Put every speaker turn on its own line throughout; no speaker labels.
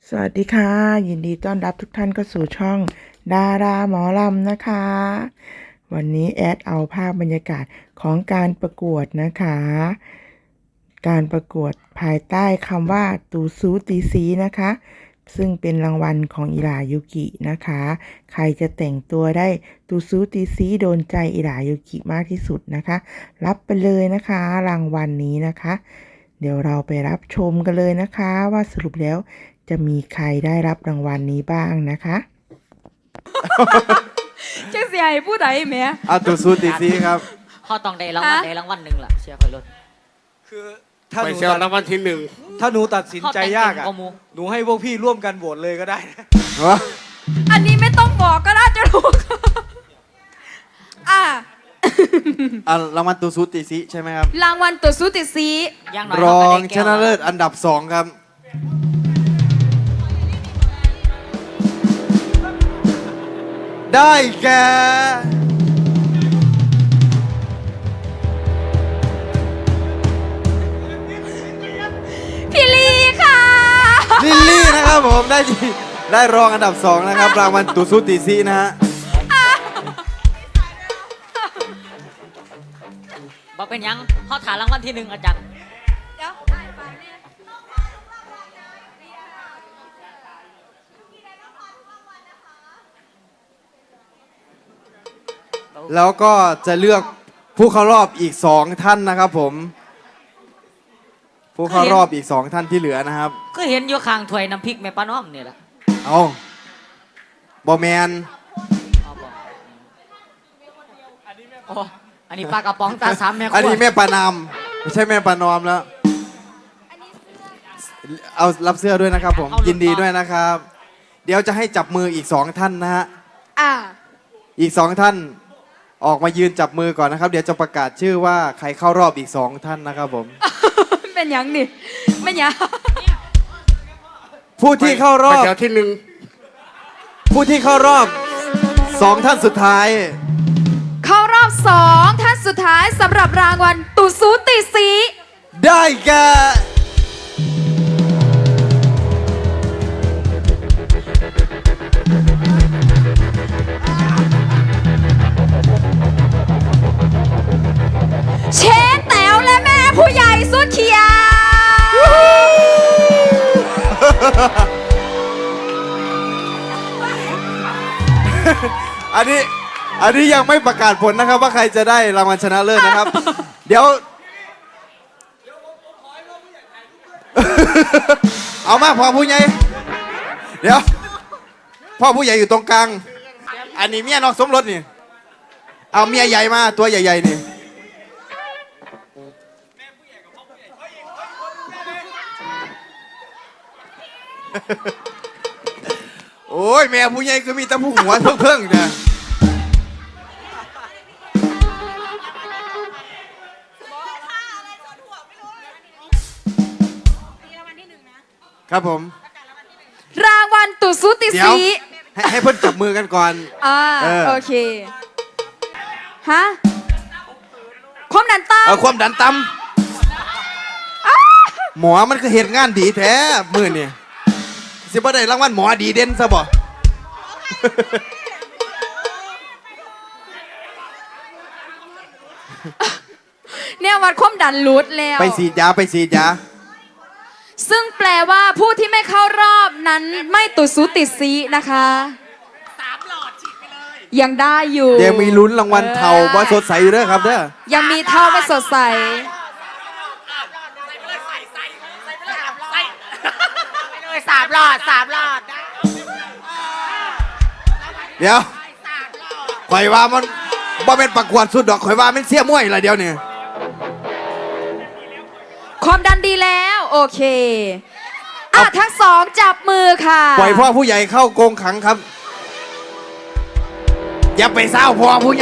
สวัสดีค่ะยินดีต้อนรับทุกท่านเข้าสู่ช่องดาราหมอลำนะคะ วันนี้แอดเอาภาพบรรยากาศของการประกวดนะคะ การประกวดภายใต้คำว่าตูซูตีซีนะคะ ซึ่งเป็นรางวัลของอิรายุกินะคะ ใครจะแต่งตัวได้ตูซูตีซีโดนใจอิรายุกิมากที่สุดนะคะ รับไปเลยนะคะรางวัลนี้นะคะ เดี๋ยวเราไปรับชมกันเลยนะคะว่าสรุปแล้วจะมีใครได้รับรางวัลนี้บ้างนะคะ
จังสิให้ผู้ใดแหม่
เอาตัวซูตีซีครับ
เขาต้องได้รางวัลใดรางวัลหนึ่งล่ะเชียร์คอยรถ
คือถ้า
ไป
หนู
เชียร์รางวัลที่หนึ่ง
ถ้าหนูตัดสินใจยากอ่ะ
เขาแต่งเต็มกว่าหมู่
หนูให้พวกพี่ร่วมกันโหวตเลยก็ได้นะ
อันนี้ไม่ต้องบอกก็น่าจะรู้ อ่ะ
รางวัลตัวซูตีซีใช่ไหมครับ
รางวัลตัวซูติซี
ย่างน้อย
รอ
เขาก็
ง
ได้
ช
แก้ว
นะเลิศอันดับ 2 ครับ ได้แก่
พี่ลีค่ะ
ลิลลี่นะครับผมได้รองอันดับ 2 นะครับ รางวัลตัวซูตีซีนะฮะ
บอกเป็นหยังเขาถามรางวัลที่หนึ่งอาจารย์
เดี๋ยว
แล้วก็จะเลือกผู้เข้ารอบอีก 2 ท่านนะครับผม ผู้เข้ารอบอีก 2 ท่านที่เหลือนะครับ
ก็เห็นอยู่ข้างถ้วยน้ำพริกแม่ป้าน้อมนี่แหละ
เอาบอแมน
เอาบอกโอ้อันนี้ปลากระป๋องตาสามแม่ครัว
อันนี้แม่ปานามไม่ใช่แม่ปานอมแล้ว เอารับเสื้อด้วยนะครับผม ยินดีด้วยนะครับ เดี๋ยวจะให้จับมืออีก 2 ท่านนะฮะ
อ่ะ
อีก 2 ท่านออกมายืนจับมือก่อนนะครับ เดี๋ยวจะประกาศชื่อว่าใครเข้ารอบอีก 2 ท่านนะครับผม
เป็นหยังนี่เป็นหยัง
ผู้ที่เข้ารอ
ไป
บ
เชียร์ที่หนึ่ง
ผู้ที่เข้ารอบ 2 ท่านสุดท้าย
เข้ารอบ2ท่านสุดท้ายสำหรับรางวัลตูซูติซี
ได้แก่
เชนแต๋วและแม่ผู้ใหญ่สุดเขียว
อันนี้ยังไม่ประกาศผลนะครับ ว่าใครจะได้รางวัลชนะเลิศนะครับ เดี๋ยว เอามาพ่อผู้ใหญ่เดี๋ยวพ่อผู้ใหญ่อยู่ตรงกลาง อันนี้เมียนอกสมรสนี่ เอาเมียใหญ่มาตัวใหญ่ๆนี่ โอ้ยแม่ผู้ใหญ่คือมีแต่ผู้หัวเพิ่งๆเนี่ยครับผม
รางวัลตูซูติ
เดี๋ยว
ซี
ให้เพิ่นจับมือกันก่อน เออ
โอเค ฮะความดันต่
เอาความดันต่ำหมอมันคือเหตุงานดีแท้มือนี่สิบ่ได้รางวัลหมอดีเด่นซะบ่
ำเนี่ยวัดความดันรูดแล้ว
ไปฉีดยาไปฉีดยา
ซึ่งแปลว่าผู้ที่ไม่เข้ารอบนั้นไม่ตูซูติซีนะคะ3 หลอดฉีดไปเลย ยังได้อยู่
เดี๋ยวมีลุ้นรางวัลเทาบ่สดใสอยู่เด้อครับเด้อ
ยังมีเท่าไม่สดใส
3 หลอด
เดี๋ยวข่อยว่ามันบ่เป็นประกวดสุดดอกข่อยว่ามันเสียมวยละเดี๋ยวนี้
ความดันดีแล้ว โอเค ทั้งสองจับมือค่ะ
ปล่อยพ่อผู้ใหญ่เข้ากรงขังครับ อย่าไปเศร้าพ่อผู้ใหญ่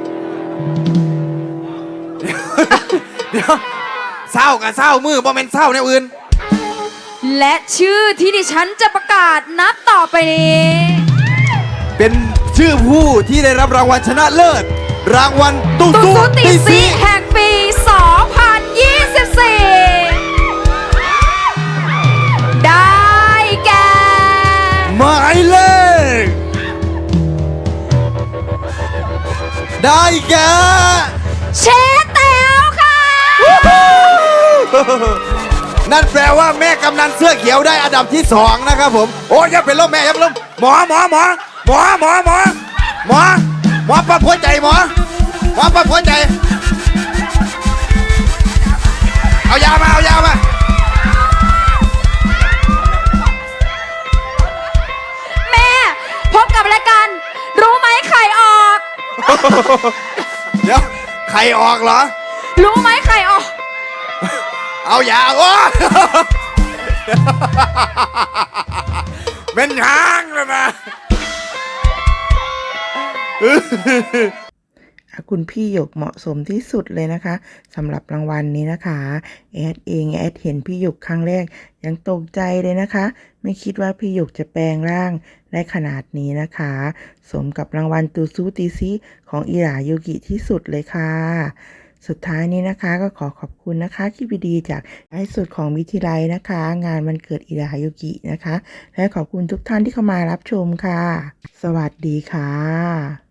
เดี๋ยวเศร้ากับเศร้ามือบ่เป็นเศร้าแนวอื่น
และชื่อที่ดิฉันจะประกาศนับต่อไปนี้
เป็นชื่อผู้ที่ได้รับรางวัลชนะเลิศ รางวัลตุ
ตู
ซู
ซูติ
ติ
ซี
ซี
แห่งปี 2024 ได้แก่
ได้แก่
เชแต๋วค่ะ
นั่นแปลว่าแม่กำนันเสื้อเขียวได้อันดับที่ 2 นะครับผม โอ้ยอย่าเป็นลมแม่อย่าเป็นลมหมอปั๊บหัวใจหมอปั๊บหัวใจ เอายามา
แม่พบกับรายการรู้ไหมไข่ออก
เดี๋ยวไข่ออกเหรอ
รู้ไหมไข่ออก
เอายาโอ้ เป็นหางเลยนะ
คุณพี่หยกเหมาะสมที่สุดเลยนะคะสำหรับรางวัลนี้นะคะแอดเห็นพี่หยกครั้งแรกยังตกใจเลยนะคะ ไม่คิดว่าพี่หยกจะแปลงร่างได้ขนาดนี้นะคะ สมกับรางวัลตูซูติซิของอิรายุกิที่สุดเลยค่ะ สุดท้ายนี้นะคะก็ขอขอบคุณนะคะคลิปดีๆจากไลฟ์สดของวิทยาลัยนะคะ งานวันเกิดอิรายุกินะคะ และขอบคุณทุกท่านที่เข้ามารับชมค่ะ สวัสดีค่ะ